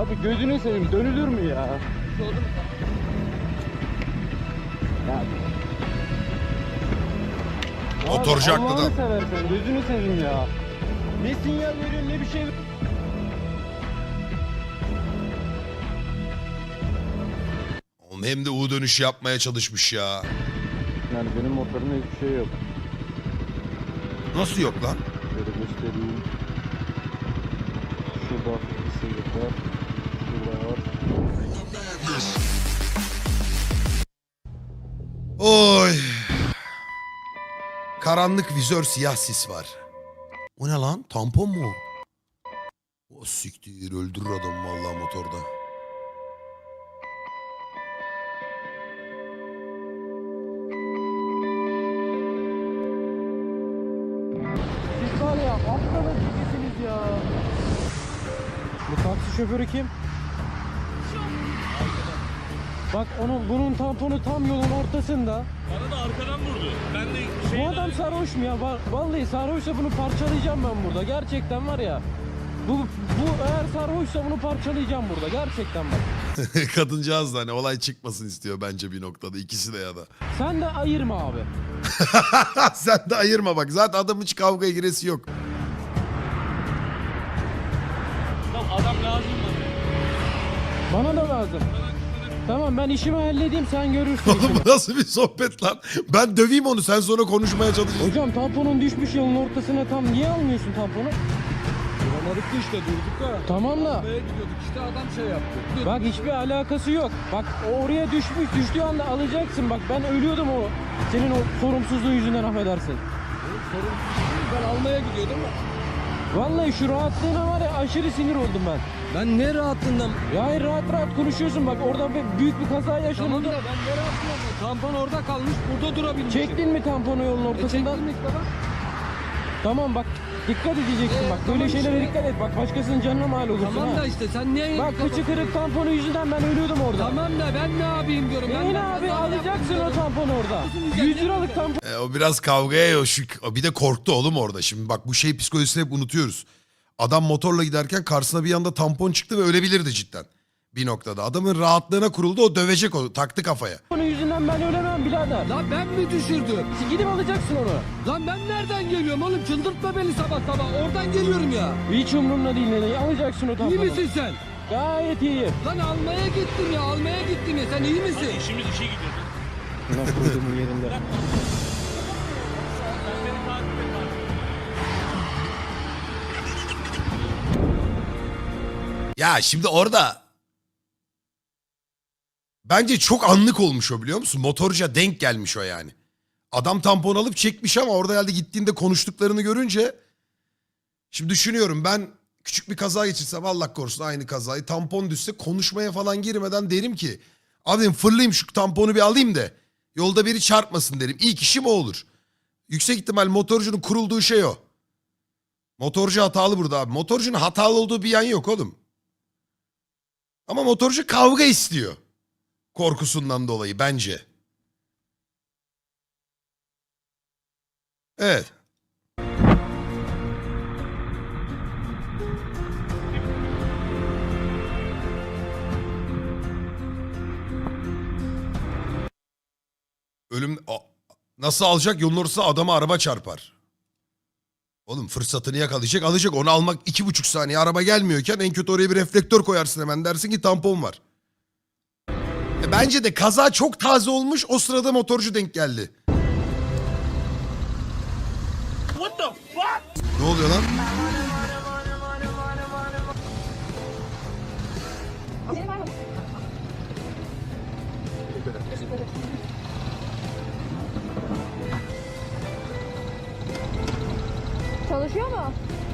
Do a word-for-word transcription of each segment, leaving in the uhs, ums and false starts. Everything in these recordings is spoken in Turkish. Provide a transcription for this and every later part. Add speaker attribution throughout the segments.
Speaker 1: Abi gözünü seveyim, dönülür mü ya?
Speaker 2: Oldu mu?
Speaker 1: Ya.
Speaker 3: Motorcu
Speaker 1: Abi,
Speaker 3: haklı da.
Speaker 1: Allah'ını seversen gözünü seveyim ya. Ne sinyal veriyorsun ne bir şey.
Speaker 3: Oğlum hem de U dönüşü yapmaya çalışmış ya.
Speaker 1: Yani benim motorumda hiçbir şey yok.
Speaker 3: Nasıl yok lan?
Speaker 1: Şöyle göstereyim. Şurada bir sıyrık var. Şurada var.
Speaker 3: Oy. Karanlık vizör siyah sis var. O ne lan? Tampon mu? O siktir öldürür adam vallahi motorda.
Speaker 1: Siz var ya aptalın ikisiniz ya. Bu taksi şoförü kim? Bak onun bunun tamponu tam yolun ortasında.
Speaker 2: Bana da arkadan vurdu. Ben de şey...
Speaker 1: Bu adam sarhoş mu ya? Va- Vallahi sarhoşsa bunu parçalayacağım ben burada. Gerçekten var ya. Bu bu eğer sarhoşsa bunu parçalayacağım burada. Gerçekten bak.
Speaker 3: Kadıncağız da hani olay çıkmasın istiyor bence bir noktada. İkisi de ya da.
Speaker 1: Sen de ayırma abi.
Speaker 3: Sen de ayırma bak. Zaten adamın hiç kavgaya giresi yok.
Speaker 2: Tamam adam lazım bana.
Speaker 1: Bana da lazım. Tamam ben işimi halledeyim sen görürsün
Speaker 3: Oğlum
Speaker 1: işini.
Speaker 3: bu nasıl bir sohbet lan? Ben döveyim onu sen sonra konuşmaya çalışırsın.
Speaker 1: Hocam tamponun düşmüş yolun ortasına tam niye almıyorsun tamponu?
Speaker 2: Duramadık da işte durduk da.
Speaker 1: Tamam da.
Speaker 2: Buraya gidiyorduk işte adam şey yaptı. Dur.
Speaker 1: Bak hiçbir alakası yok. Bak o oraya düşmüş düştüğü anda alacaksın. Bak ben ölüyordum o senin o sorumsuzluğun yüzünden affedersin.
Speaker 2: Sorun ben almaya gidiyordum ama.
Speaker 1: Vallahi şu rahatlığına var ya aşırı sinir oldum ben.
Speaker 2: Ben ne rahatlığından?
Speaker 1: Ya hayır rahat rahat konuşuyorsun bak orada bir büyük bir kaza
Speaker 2: Tamam
Speaker 1: yaşandı.
Speaker 2: da ben ne rahatlığından? Tampon orada kalmış burada durabilmişim.
Speaker 1: Çektin mi tamponu yolun
Speaker 2: E
Speaker 1: ortasından?
Speaker 2: çektim işte bak.
Speaker 1: Tamam bak dikkat edeceksin
Speaker 2: Ee,
Speaker 1: bak
Speaker 2: tamam
Speaker 1: böyle şeylere
Speaker 2: işte.
Speaker 1: dikkat et bak başkasının canına mal olursun
Speaker 2: Tamam
Speaker 1: ha.
Speaker 2: da işte sen niye...
Speaker 1: Bak kıçı kırık tamponu yüzünden ben ölüyordum orada.
Speaker 2: Tamam da ben ne yapayım diyorum. Ben
Speaker 1: Neyin
Speaker 2: de
Speaker 1: abi
Speaker 2: kaza
Speaker 1: alacaksın
Speaker 2: yaptım
Speaker 1: o tamponu orada.
Speaker 2: Nasıl
Speaker 1: yüz liralık tampon.
Speaker 3: E, o biraz kavgaya yoşuk. O bir de korktu oğlum orada. Şimdi bak bu şey psikolojisini hep unutuyoruz. Adam motorla giderken karşısına bir anda tampon çıktı ve ölebilirdi cidden. Bir noktada. Adamın rahatlığına kuruldu o dövecek o. Taktı kafaya.
Speaker 1: Onun yüzünden ben ölemem birader.
Speaker 2: Lan ben mi düşürdüm?
Speaker 1: Gidip alacaksın onu.
Speaker 2: Lan ben nereden geliyorum oğlum? Çıldırtma beni sabah sabah. Oradan geliyorum ya.
Speaker 1: Hiç umurumda değil ne alacaksın o
Speaker 2: İyi
Speaker 1: tamponu.
Speaker 2: misin sen?
Speaker 1: Gayet iyiyim.
Speaker 2: Lan almaya gittim ya. Almaya gittim ya. Sen iyi misin?
Speaker 4: Hadi işimiz işe gidiyordu.
Speaker 1: Nasıl koyduğumun yerinde.
Speaker 3: Ya şimdi orada bence çok anlık olmuş o biliyor musun? Motorcuya denk gelmiş o yani. Adam tampon alıp çekmiş ama orada herhalde gittiğinde konuştuklarını görünce şimdi düşünüyorum ben küçük bir kaza geçirsem Allah korusun aynı kazayı tampon düşse konuşmaya falan girmeden derim ki abi fırlayayım şu tamponu bir alayım da yolda biri çarpmasın derim. İlk işim o olur. Yüksek ihtimal motorcunun kurulduğu şey o. Motorcu hatalı burada abi. Motorcunun hatalı olduğu bir yan yok oğlum. Ama motorcu kavga istiyor. Korkusundan dolayı bence. Evet. Ölüm A- nasıl alacak? Yolun ortasında adama araba çarpar. Oğlum fırsatını yakalayacak alacak. Onu almak iki buçuk saniye araba gelmiyorken en kötü oraya bir reflektör koyarsın hemen. Dersin ki tampon var. E bence de kaza çok taze olmuş. O sırada motorcu denk geldi.
Speaker 4: What the fuck?
Speaker 3: Ne oluyor lan?
Speaker 5: Çalışıyor mu?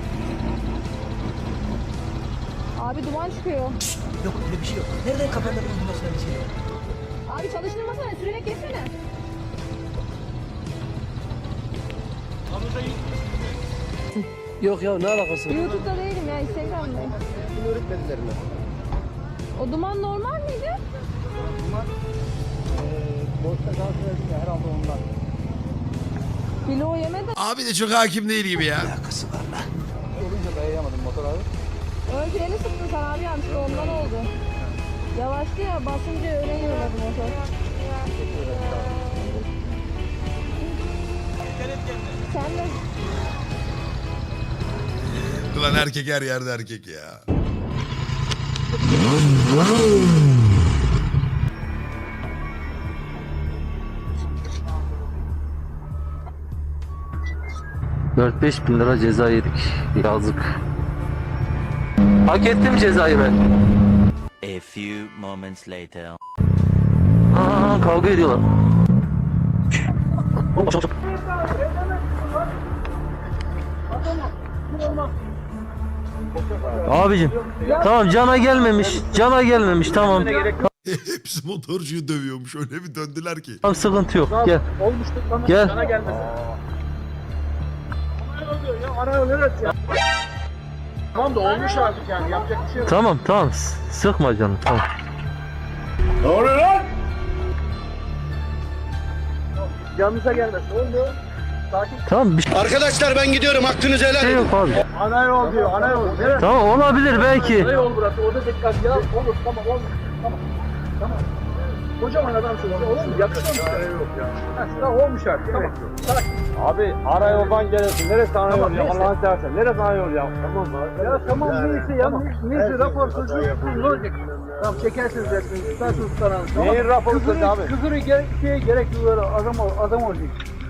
Speaker 5: Abi duman çıkıyor.
Speaker 6: Yok öyle bir şey yok. Nereden kafanda bulunmasına bir şey yok.
Speaker 5: Abi çalıştırmasana, sürerek geçsene.
Speaker 6: Yok ya ne alakası var?
Speaker 5: YouTube'da değilim ya, Instagram'dayım.
Speaker 6: Öğretmediler mi?
Speaker 5: O duman normal miydi?
Speaker 6: Boşta kalsın herhalde ondan.
Speaker 5: Kilo yemedi.
Speaker 3: Abi de çok hakim değil gibi ya.
Speaker 6: Alakası var lan.
Speaker 7: Olunca dayayamadım motor abi.
Speaker 5: Ön freni sıktın sen abi yanlışlıkla ondan oldu. Yavaştı ya basınca öne yürüyordu motor. Sen de
Speaker 3: Ulan erkek her yerde erkek ya.
Speaker 7: dört beş bin lira ceza yedik. Yazık. Hak ettim cezayı ben.
Speaker 8: A few moments later.
Speaker 7: Aa, kavga ediyorlar. Abicim tamam cana gelmemiş. Cana gelmemiş tamam.
Speaker 3: Hepsi motorcuyu dövüyormuş. Öyle bir döndüler ki.
Speaker 7: Tamam sıkıntı yok. Gel.
Speaker 6: Olmuştuk bana.
Speaker 7: Gel.
Speaker 6: Sana gelmesin. Ana yol neresi ya? Tamam da olmuş artık yani yapacak bir şey yok.
Speaker 7: Tamam tamam S- sıkma canım tamam.
Speaker 4: Ne oluyor lan?
Speaker 6: Yanınıza gelmesin. Oldu. Sakin.
Speaker 7: Tamam bir
Speaker 9: Arkadaşlar ben gidiyorum, hakkınızı helal
Speaker 7: şey
Speaker 9: edin.
Speaker 7: yok abi.
Speaker 6: Ana yol diyor. Ana yol. Neresi?
Speaker 7: Tamam olabilir belki.
Speaker 6: Ana yol burası. Orada dikkat ya. Olur. Tamam olmuş. Tamam. Tamam. Kocaman adamsın. Olur mu? Yakışıyor mu? Yok ya. Ha, sıra olmuş artık. Tamam. Sakin.
Speaker 2: Abi ana yoldan geliyorsun. Neresi ana
Speaker 6: Tamam,
Speaker 2: yol ya?
Speaker 6: neyse.
Speaker 2: Allah'ını seversen. Neresi ana yol ya? Tamam
Speaker 6: Ya tamam neyse ya. Neyse rapor sözü ne olacak? Tamam çekersiniz resmini. Tutarsınız tutanağını. Tamam.
Speaker 2: Neyin raporu
Speaker 6: Küfürü-
Speaker 2: sözü abi?
Speaker 6: Küfürü gerek, şeye gerek yok. Böyle adam, ol- adam olacak.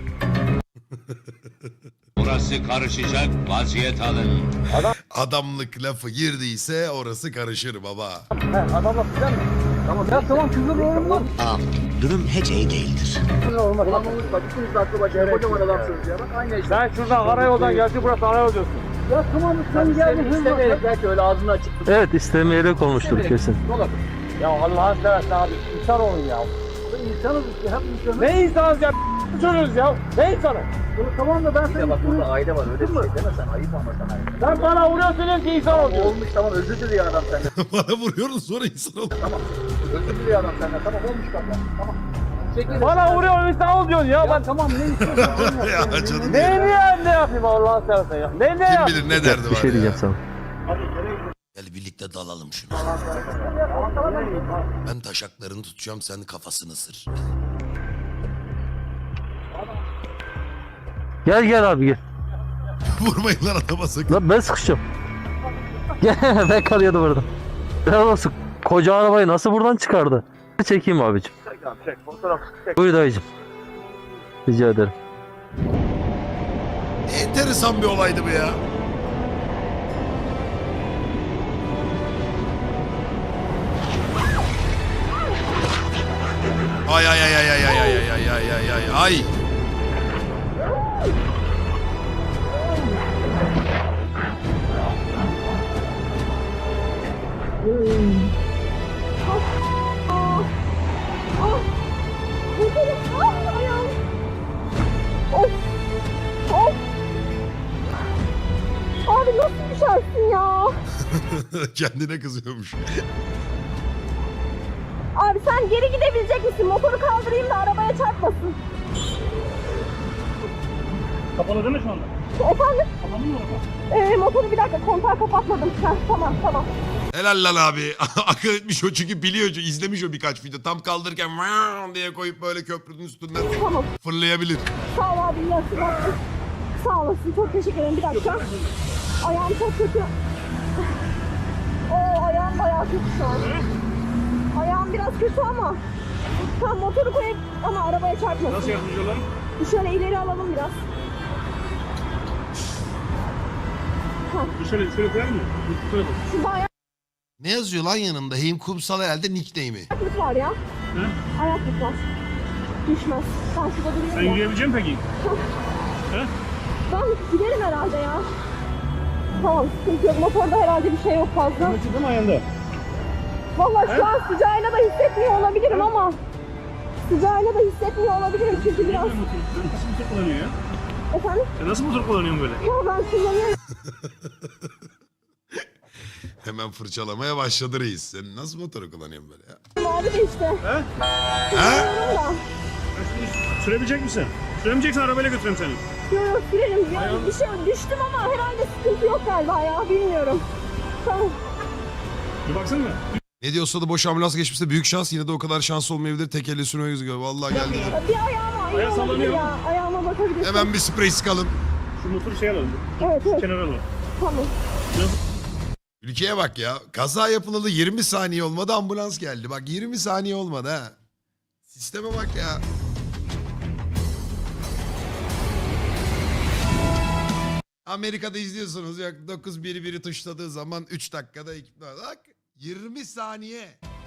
Speaker 10: Burası karışacak, vaziyet alın.
Speaker 3: Adamlık lafı girdiyse orası karışır baba.
Speaker 6: He adamla filan mı? Tamam ya tamam küfür olur mu?
Speaker 9: Ağam, durum hiç iyi değildir.
Speaker 6: Küfür olmaz. Tamam bak ikiniz de aklı başına kocaman adamsınız ya. Bak aynı işte.
Speaker 2: Sen şuradan ana yoldan gelsin, burası ana yol diyorsun.
Speaker 6: Ya tamam sen geldin. İstemeyerek belki öyle ağzını açık.
Speaker 7: Evet istemeyerek olmuştur kesin.
Speaker 6: Olabilir.
Speaker 2: Ya Allah'ını seversen abi. İnsan olun ya.
Speaker 6: İnsanız işte hep insanız.
Speaker 2: Ne insanız ya? Söylüyoruz ya. Ne insanı?
Speaker 6: Bunu tamam da ben
Speaker 11: Bir de bak burada aile var öyle bir şey deme sen ayıp ama sana.
Speaker 2: Sen bana vuruyorsun diyorsun ki insan ol
Speaker 11: Tamam
Speaker 2: diyorsun.
Speaker 11: olmuş tamam özür diliyor adam senden.
Speaker 3: Bana vuruyorsun sonra insan ol.
Speaker 11: Özür diliyor adam senden tamam olmuş baba. Tamam. Çekil.
Speaker 2: Bana vuruyorsun insan ol diyorsun ya.
Speaker 6: Ya
Speaker 2: Ben
Speaker 6: tamam ne istiyorsun?
Speaker 3: Ya canım
Speaker 2: ne
Speaker 3: ya.
Speaker 2: niye ne yapayım Allah'ını seversen ya? Ne ne
Speaker 3: Kim
Speaker 2: yap?
Speaker 3: bilir ne derdi
Speaker 7: Bir
Speaker 3: var
Speaker 7: şey diyeceğim
Speaker 3: ya.
Speaker 7: sana.
Speaker 3: Gel birlikte dalalım şunu. Ben taşaklarını tutacağım sen kafasını ısır.
Speaker 7: Gel gel abi gel.
Speaker 3: Vurmayın lan adama sakın.
Speaker 7: Lan ben sıkışacağım. Gel ben kalıyordum orada. Helal olsun. Koca arabayı nasıl buradan çıkardı? Çekeyim abicim. Buyur dayıcım. Rica ederim.
Speaker 3: Enteresan bir olaydı bu ya. Ay ay ay ay ay ay ay ay ay ay ay ay.
Speaker 5: Of. Of. Abi nasıl düşersin ya?
Speaker 3: Kendine kızıyormuş.
Speaker 5: Abi sen geri gidebilecek misin? Motoru kaldırayım da arabaya çarpmasın.
Speaker 4: Kapalı değil mi şu anda?
Speaker 5: Efendim?
Speaker 4: Kapalı mı orada?
Speaker 5: Ee, motoru bir dakika kontağı kapatmadım. Heh, tamam tamam.
Speaker 3: Helal lan abi. Akıl etmiş o çünkü biliyor. izlemiş o birkaç video. Tam kaldırırken "Vaaah" diye koyup böyle köprünün üstünden
Speaker 5: Tamam.
Speaker 3: fırlayabilir.
Speaker 5: Sağ ol abi. Nasıl? Sağ olasın. Çok teşekkür ederim. Bir dakika. Ayağım çok kötü. Oo ayağım bayağı kötü şu an. Ayağım biraz kötü ama. Tamam motoru koyup ama arabaya çarpmasın.
Speaker 4: Nasıl yardımcı olalım?
Speaker 5: Şöyle ileri alalım biraz.
Speaker 4: Şöyle şöyle koyalım mı? Şöyle koy.
Speaker 5: Şurada
Speaker 3: Ne yazıyor lan yanında? Heyim Kumsal herhalde nickname'i.
Speaker 5: ayaklık var ya.
Speaker 4: He?
Speaker 5: Ayaklık var. Düşmez. Ben şurada
Speaker 4: Sen
Speaker 5: duruyorum ya.
Speaker 4: yürüyebilecek misin peki? He?
Speaker 5: Ben giderim herhalde ya. Tamam sıkıntı yok. Motorda herhalde bir şey yok fazla.
Speaker 4: Acıdı mı ayağında?
Speaker 5: Vallahi şu an sıcağıyla da hissetmiyor olabilirim ama. Sıcağıyla da hissetmiyor olabilirim çünkü biraz.
Speaker 4: Nasıl motor kullanıyor ya?
Speaker 5: Efendim?
Speaker 4: Sen nasıl motor kullanıyorsun böyle?
Speaker 5: Ya ben kullanıyorum.
Speaker 3: Hemen fırçalamaya başladı reis. Sen nasıl motoru kullanıyorsun böyle ya?
Speaker 5: Abi de işte.
Speaker 3: Ha?
Speaker 5: Kullanıyorum da.
Speaker 4: Ben şimdi sürebilecek misin? Süremeyeceksen arabayla götüreyim seni.
Speaker 5: Yok yok sürerim. Ya bir şey düştüm ama herhalde sıkıntı yok galiba ya. Bilmiyorum. Tamam
Speaker 4: Bir baksana.
Speaker 3: Ne diyorsa da boş ambulans geçmişse büyük şans. Yine de o kadar şans olmayabilir. Tek elle sürme gözüküyor. Vallahi geldi.
Speaker 5: Bir ayağıma iyi
Speaker 4: Ayağı
Speaker 5: olabilir
Speaker 4: sallanıyor.
Speaker 5: ya. Ayağıma bakabilirsin.
Speaker 3: Hemen bir sprey sıkalım.
Speaker 4: Şu motoru şey alalım.
Speaker 5: Evet evet
Speaker 4: Kenara alalım.
Speaker 5: tamam.
Speaker 3: Ülkeye bak ya. Kaza yapılalı yirmi saniye olmadı, ambulans geldi. Bak yirmi saniye olmadı ha. Sisteme bak ya. Amerika'da izliyorsunuz. Yok dokuz bir biri tuşladığı zaman üç dakikada ekip. Bak yirmi saniye.